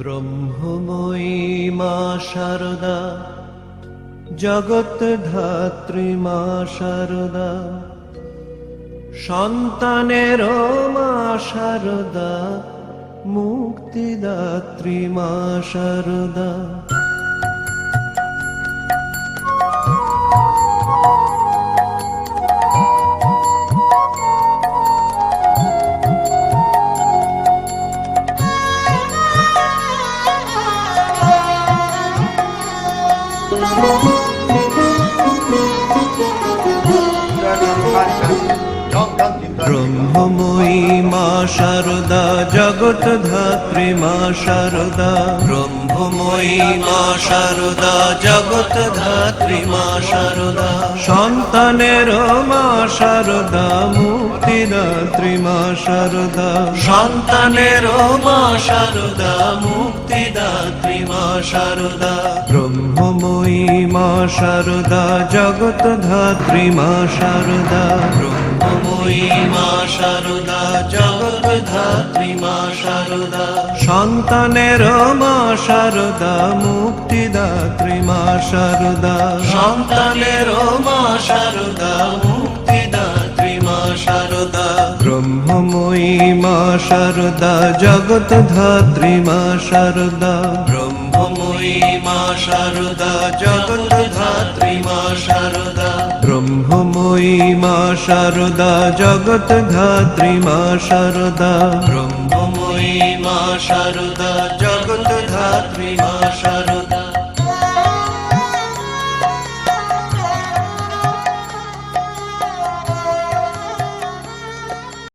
ব্রহ্মময়ী মা শারদা, জগৎ ধাত্রী মা শারদা, সন্তানের মা শারদা, মুক্তিদাত্রী মা শারদা। ব্রহ্মময়ী মা শারদা, জগৎ ধাত্রী মা শারদা, ব্রহ্মময়ী মা শারদা, জগৎ ধাত্রী মা শারদা, সন্তানের মা শারদা, মুক্তিদাত্রী মা শারদা, সন্তানের মা শারদা, মুক্তিদাত্রী মা শারদা। ব্রহ্মময়ী মা শারদা, জগৎ ধাত্রী মা শারদা, ব্রহ্মময়ী মা শারদা, জগৎ ধাত্রী মা শারদা, সন্তানের মা শারদা, মুক্তিদাত্রী মা শারদা, সন্তানের মা শারদা, মুক্তিদাত্রী মা শারদা। ব্রহ্মময়ী মা শারদা, জগৎ ধাত্রী মা শারদা, ব্রহ্মময়ী মা শারদা, জগৎ ধাত্রী মা শারদা, ব্রহ্মময়ী মা শারদা, জগৎ ধাত্রী মা শারদা, ব্রহ্মময়ী মা শারদা, জগৎ ধাত্রী মা শারদা।